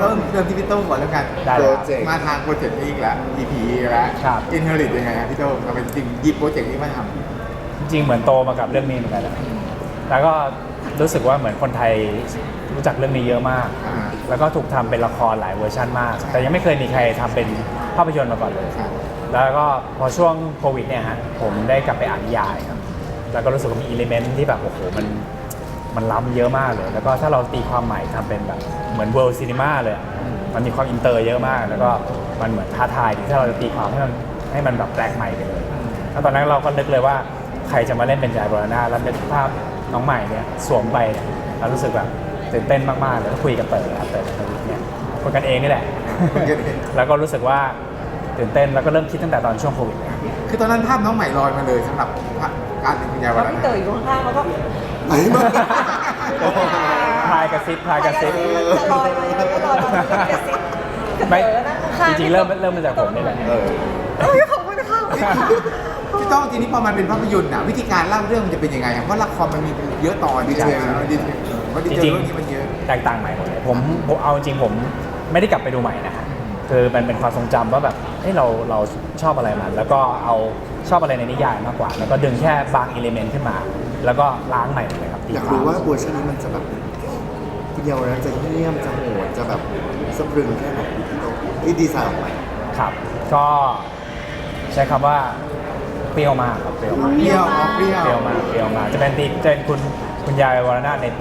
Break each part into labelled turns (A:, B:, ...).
A: เริ่มที่พี่โต้ก่อนแล้วกัน
B: ได้
A: โป
B: เลย
A: ร
B: ครับ
A: เจกต์มาทางโปรเจกต์นี้อีกแล้ว EP อีกแล้ว
B: ครับ
A: อินเฮอริตยังไงครับพี่โต้เราเป็นจริงหยิบโปรเจกต์นี้มาท
B: จริงๆเหมือนโตมากับเรื่องนี้เหมือนกันแหละแล้วก็รู้สึกว่าเหมือนคนไทยรู้จักเรื่องนี้เยอะมาก
A: ำ
B: แล้วก็ถูกทำเป็นละครหลายเวอร์ชันมาก แต่ยังไม่เคยมีใครทำเป็นภาพยนตร์มาก่อนเลย
A: ครับ
B: แล้วก็พอช่วงโควิดเนี่ยฮะผมได้กลับไปอ่านนิยายครับแล้วก็รู้สึกว่ามีอิเลเมนต์ที่แบบโอ้โหมันล้ำเยอะมากเลย แล้วก็ถ้าเราตีความใหม่ทำเป็นแบบเหมือนเวิลด์ซีนีมาเลยมันมีความอินเตอร์เยอะมาก แล้วก็มันเหมือนท้าทายที่ถ้าเราจะตีความให้มันแบบแปลกใหม่ไปเลยแล้วตอนนั้นเราก็นึกเลยว่าใครจะมาเล่นเป็นยายบรณาแล้วเป็นภาพน้องใหม่เนี่ยสวมไปเนี่ยเรารู้สึกแบบตื่นเต้นมากๆเลยก็คุยกับเต๋อครับเต๋อทวิทเนี่ยคนกันเองนี่แหละ แล้วก็รู้สึกว่าตื่นเต้นแล้วก็เริ่มคิดตั้งแต่ตอนช่วงโควิด
A: คือตอนนั้นภาพน้องใหม่ลอยมาเลยสำหรับการเป็นคุณยายวั
C: แล้ว
A: น
C: พี่
A: นั้น
C: เต๋ออยู่ข้างๆแล้วก็
A: ไหนมา
B: พลายกระซิบ
C: จะลอยมาแล้วก็ลอยมากระซิบ
B: ไม่
C: เต๋อนั่งข้าง
B: จริงๆเริ่มมาจากผมนี่แหละ
C: เอ้ยขอบคุณค่ะ
A: พี่โต้ทีนี้พอมันเป็นภาพยนตร์อ่ะวิธีการเล่าเรื่องมันจะเป็นยังไงอะเพราะละครมันมีเยอะตอนดีเทลเพราะดีเทลเรื่องนี้มันเยอะ
B: แตกต่างใหม่หมดเลยผมเอาจริงผมไม่ได้กลับไปดูใหม่นะฮะคือมันเป็นความทรงจำว่าแบบเฮ้ยเราชอบอะไรมันแล้วก็เอาชอบอะไรในนิยายมากกว่า แล้วก็ดึงแค่บางอิเลเมนต์ขึ้นมา แล้วก็ล้างใหม่หมดเลยครับ
D: อยากรู้ว่าเวอร์ชันนี้มันจะแบบคุณเยาวรัตน์จะเงียบจะโหดจะแบบสะพรึงแค่ไหนที่ดีไซน์ออกมา
B: ครับ ก็ใช้คำว่าเปรี้ยวมากครับเปรี้ยวมาก
A: เปรี้ยวเปรี้ยว
B: เปรี้ยวมากเปรี้ยวมากจะเป็นคุณยายวรนาถในปี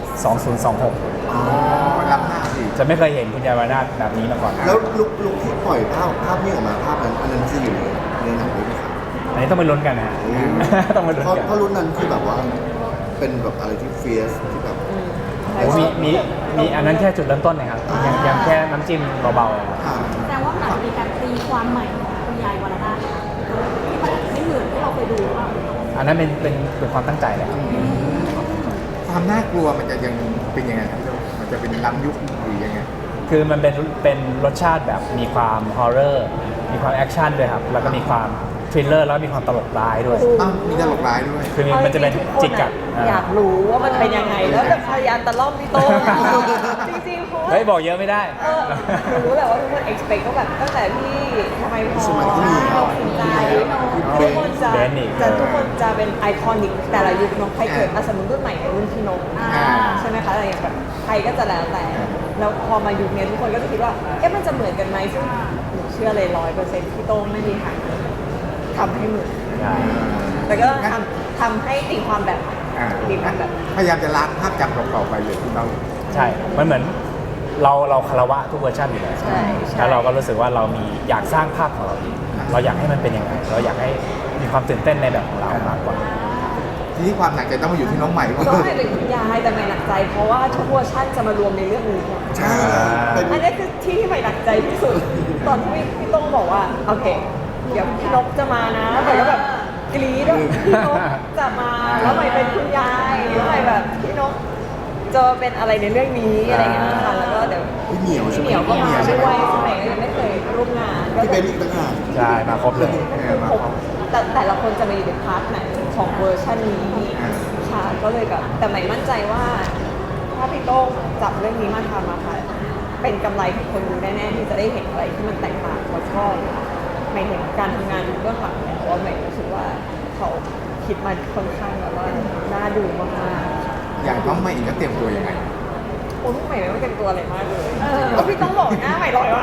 B: 2026
A: อ๋อรับหน้าสิ
B: จะไม่เคยเห็นคุณยายวรนาถแบบนี้มาก่อน
D: แล้วลุกที่ปล่อยภาพนี้ออกมาภาพนั้นอันนั้นจะอยู่ในหนังด้วยไหมครับ
B: อันนี้ต้องไปลุ้นกันนะฮะ ต้องไปลุ้น
D: เพราะ
B: กัน
D: เพราะรุ่นนั้นคือแบบว่าเป็นแบบอะไรที่เฟียสที่แบบ
B: โอ้มีอันนั้นแค่จุดเริ่มต้นนะครับยังแค่น้ำจิ้มเบาๆครับ
E: แสดงว่ามันอาจจะมีการตีความใหม่ของคุณยายวรนาถที่มันอาจจะไม่เหมือนที่เราเคยดูหรือเปล่า
B: อันนั้นเป็นความตั้งใจแหละ
A: ความน่ากลัวมันจะยังเป็นยังไงครับพี่โต้มันจะเป็นล้ำยุคหรือยังไง
B: คือมันเป็นรสชาติแบบมีความฮอร์เรอร์มีความแอคชั่นด้วยครับแล้วก็มีความทริลเลอร์แล้วก็มีความตลกร้ายด้วย
A: อ้าวมีตลกร้ายด้วย
B: คือมันจะเป็นจิกกัด
C: อยากรู้ว่ามันเป็นยังไง แล้วจะพยายามตะล่อมพี่โต้จริงๆเพราะว่า
B: เฮ้ยบอกเยอะไม่ได้
C: หนูรู้แหละว่าทุกคน expect ก็แบบตั้งแต่พี่ทำไมพอ
D: สมัยที่มี
C: เราสนใจทุกคนจะ
B: เบนอีก
C: ทุกคนจะเป็นไอคอนิกแต่ละยุคเน้องใครเกิดสมมติรุ่นใหม่ในรุ่นพี่นกใช่ไหมคะอะไรอย่างแบบใครก็จะแล้วแต่ แล้วพอมายุคนี้ทุกคนก็จะคิดว่าเอ๊ะมันจะเหมือนกันไหมซึ่งหนูเชื่อเลย100%พี่โต้งไม่มีทางทำให้เหมือน
B: ใช่
C: แต่ก็ทำให้ตีความแบบ
A: อ่า
C: ตีความแบบ
A: พยายามจะล้างภาพจำเก่าๆไปเลยพี่โต้
B: ใช่ มันเหมือนเราคารวะทุกเวอร์ชันอยู่แล้ว
C: ใช่ใช่
B: แล้วเราก็รู้สึกว่าเรามีอยากสร้างภาพของเราเองเราอยากให้มันเป็นยังไง เราอยากให้มีความตื่นเต้นในแบบของเรามากกว่า
A: ทีนี้ความหนักใจต้องมาอยู่ที่น้องใหม่ก่อน
C: ก็ให้เป็นคุณยายแต่ไม่หนักใจ เพราะว่าทุกเวอร์ชันจะมารวมในเรื่องนี้หมด
D: ใช่เป็น
C: อันนี้คือที่ใหม่หนักใจที่สุด ตอนที่พี่ต้องบอกว่าโอเค เดี๋ยวพี่นกจะมานะใหม่ก็แบบกรี๊ดว่าพี่นกจะมาแล้วใหม่เป็นคุณยายแล้วใหม่แบบพี่นกจะเป็นอะไรในเรื่องนี้อะไรอย่างเงี้ยค่ะแล้วก็เดี๋ยว
D: พี่เหมียวใช่
C: พี่
D: ไหม
C: เหมียวก็มาด้วยซึ่งใหม่ก็ยังไม่เคยร่วมงานก็
D: พี่
C: จะ
D: เบนอีกต่างหาก
B: ใช่ มาครบเลย
C: แต่ละคนจะมาอยู่ในพาร์ทไหนของเวอร์ชันนี้ค่ะก็เลยแบบแต่ใหม่มั่นใจว่าถ้าพี่โต้งจับเรื่องนี้มาทำอะค่ะเป็นกำไรของคนดูแน่ๆที่จะได้เห็นอะไรที่มันแตกต่างแล้วก็ใหม่เห็นการทำงานเบื้องหลังเนี่ยว่าใหม่รู้สึกว่าเขาคิดมาค่อนข้างแบบว่าน่าดูมากๆ
A: อย่างน้องใหม่อีกก็เตรียมตัวยังไง
C: โอ้ยใหม่ไม่ต้องเต็มตัวอะไรมากเลยแล้วพี่ต้องบอกหน้าใหม่ลอยมา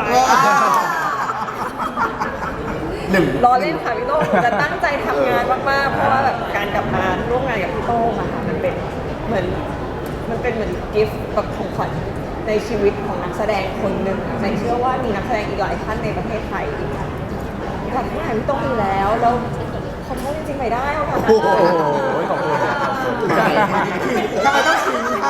A: หนึ่ง
C: รอเล่นค่ะพี่โต้งหนูจะตั้งใจทำงานมากๆ เพราะว่าแบบการกลับมาร่วมงานกับพี่โต้งอะค่ะมันเป็นเหมือนกิฟต์แบบของขวัญในชีวิตของนักแสดงคนหนึ่งใหม่เชื่อว่ามีนักแสดงอีกหลายท่านในประเทศไทยอีกค่ะอยากให้หาพี่โต้งอยู่แล้วขอโทษจริงๆไม่ได้เอาค่ะ
B: โอ้โหขอบคุณครับขอบคุณ
A: ทำไมต้องชิงคะ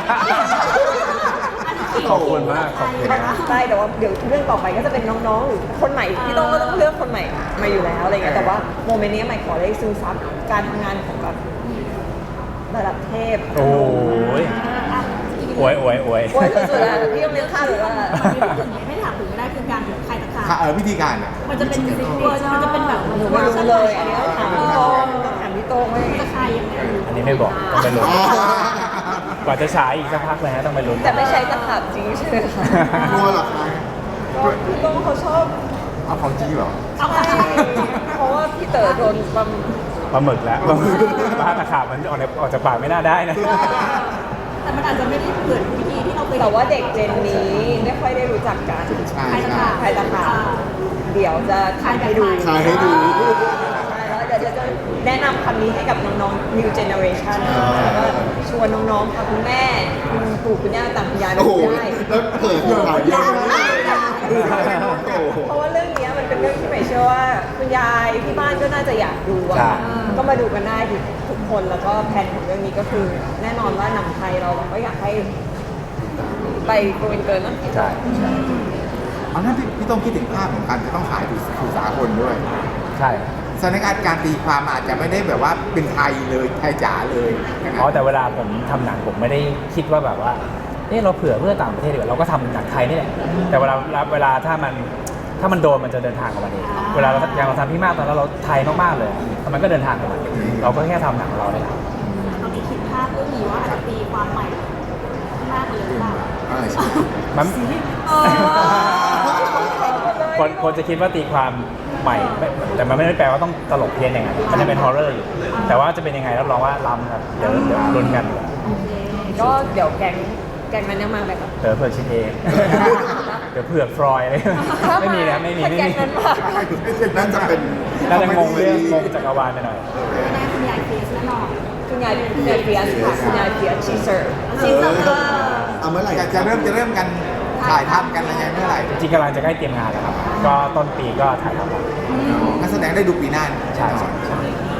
B: ขอบคุณมากขอบคุณมาก
C: ใช่แต่ว่าเดี๋ยวเรื่องต่อไปก็จะเป็นน้องๆหรือคนใหม่พี่โต้งก็ต้องเลือกคนใหม่มาอยู่แล้วอะไรเงี้ยแต่ว่าโมเมนต์นี้ใหม่ขอได้ซึมซับการทำงานของแบบระดับเทพ
B: โอ้ยอวย
C: โอ้ยสุดๆแล้วพี่ต้องเลี้ยงข้าวหรือว่า
E: ไม่ถามถึงไม่ได้คือการใครตะขา
A: วิธีการอ่ะ
E: มันจะเป็นซิกเนเจอร์มันจะเป็นแบบ
C: หนูไม่รู้เลย อันนี้ต้องถามพี่โต้งต้องถามพี่โต้งว่า
E: จะใครยังไง
B: อันนี้ไม่บอกต้องไปลุ้นกว่าจะฉายอีกสักพักเลยฮะต้องไปลุ้น
C: แต่ไม่ใช่ตะขาบจริงใช่ไหมคะ
D: กลัวเหรอคะ
C: ก็พี่โต้งเขาชอบ
A: เอาของจริงเหรอ
C: ใช่เพราะว่าพี่เต๋อโดนปั๊ม
B: ปลาหมึกแล้วปลาตะขาบมันออกจากปากไม่น่าได้นะ
E: แต่มันอาจจะไม่ได้เหมือนวิธีที่เราเคย
C: แต่ว่าเด็กเจนนี้ไม่ค่อยได้รู้จักกัน
A: ใช่
E: ใคร
A: ใช่
E: ต่าง
C: ใครต่างหากเดี๋ยวจะทำให้ดู
D: ขายให้ดู
C: ใช่แล้วเดี๋ยวจะแนะนำคำนี้ให้กับน้องๆ new generation แล้วก็ชวนน้องๆค่ะคุณแม่คุณปู่คุณย่าต่างคุณยายมา
D: โอ้โห
C: ดูได้
D: แล้วเปิดขายเยอะมากโอ้โห
C: เพราะว่าเรื่องนี้มันเป็นเรื่องที่ใหม่เชื่อว่าคุณยายที่บ้านก็น่าจะอยากดูอะ
B: ใช่
C: ก็มาดูกันได้ทุกคนแล้วก็แผนของเรื่องนี้ก็คือ แน่นอนว่าหนังไทยเราก็อยากให้ไปโกลเกินนะ
B: ใช่ใช่
A: เอานั่นพี่ต้องคิดถึงภาพของการจะต้องขายสู่สากลด้วย
B: ใช่
A: สถานการณ์การตีความอาจจะไม่ได้แบบว่าเป็นไทยเลยไทยจ๋าเลยนะค
B: อ๋
A: รั
B: อบ แต่เวลาผมทำหนังผมไม่ได้คิดว่าแบบว่าเราเผื่อเพื่อต่างประเทศดีกว่าเราก็ทำหนังไทยนี่แหละแต่เวลาถ้ามันโดนมันจะเดินทางของมันเองเวลาอย่างเราทำพี่มากตอนนั้นเราไทยมากๆเลยมันก็เดินทางของมันเราก็แค่ทำหนังของเราเนี่ย
E: ตอนนี้คิดภาพเรื่องนี้ว่าอาจจะตีความใหม่มากเลยหรือเปล่า
A: ใช่
B: มันคนจะคิดว่าตีความใหม่แต่มันไม่ได้แปลว่าต้องตลกเพี้ยนอย่างนั้นมันจะเป็นฮอร์เรอร์อยู่แต่ว่าจะเป็นยังไงรับรองว่าล้ำครับเดี๋ยวลุ้นกัน
C: ก็เดี๋ยวแกงนั้นยังมาไหมครับ
B: เผื่อชินเอง เดี๋ยวเผื่อฟรอยอะไรไม่มีนะไม่มี
C: ถ้า
B: ไม่
C: แกง
B: มี
C: นั้นมา
D: นั่นจะเป็น
B: น่าจะงงเรื่องงงจักรวาลไปหน่อย
E: แน่คุณยายเฟสแน่นอน
C: คุณยายเฟียสค่ะคุณยายเฟียสชีเซอร์
D: เอาเมื่อไหร่
A: จะเริ่มกันถ่ายทำกันอะไรยังไงเมื่อไหร่
B: จริงๆกำลังจะใกล้เตรียมงานแล้วครับ ก็ต้นปีก็ถ่ายทำแล้ว
A: นักแสดงได้ดูปีหน้า
B: ใช่ใช่
C: แ